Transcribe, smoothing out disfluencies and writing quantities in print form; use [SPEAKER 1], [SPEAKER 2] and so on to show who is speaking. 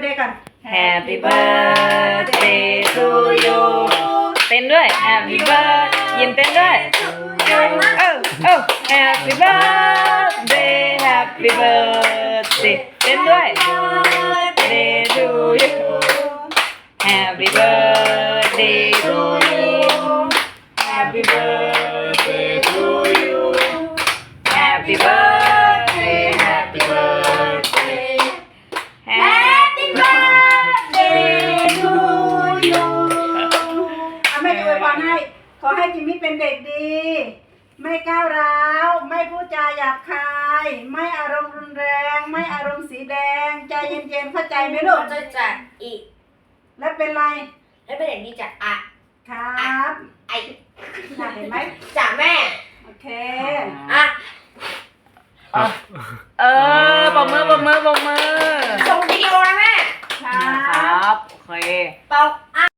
[SPEAKER 1] birthday กัน
[SPEAKER 2] Happy birthday to you เต้นด้วย Happy birthday ยิ้มเต้นด้วย Happy birthday Happy birthday เต้นด้วย Birthday to you Happy birthday to you Happy birthday to you Happy birthday Happy birthday Happy birthday to you
[SPEAKER 1] แม่จะอวยพรให้ขอให้จิมมี่เป็นเด็กดี ไม่ก้าวร้าวไม่พูดจาหยาบคาย ไม่อารมณ์รุนแรง ไม่อารมณ์สีแดง ใจเย็นๆเข้าใจไหมลูก
[SPEAKER 3] จะจัดอีก
[SPEAKER 1] แล้วเป็นไร
[SPEAKER 3] แล้วเป็นอย่างนี้จากอะ
[SPEAKER 1] ครับ
[SPEAKER 3] ไอ
[SPEAKER 1] เห็นไหม
[SPEAKER 3] จากแม่
[SPEAKER 1] โอเค
[SPEAKER 3] อ่ะ
[SPEAKER 2] ปรบมือ
[SPEAKER 3] ส่งวิดีโอนะแม่
[SPEAKER 1] ครั
[SPEAKER 2] ครับ บ โอเค
[SPEAKER 3] เปล่าอ่ะ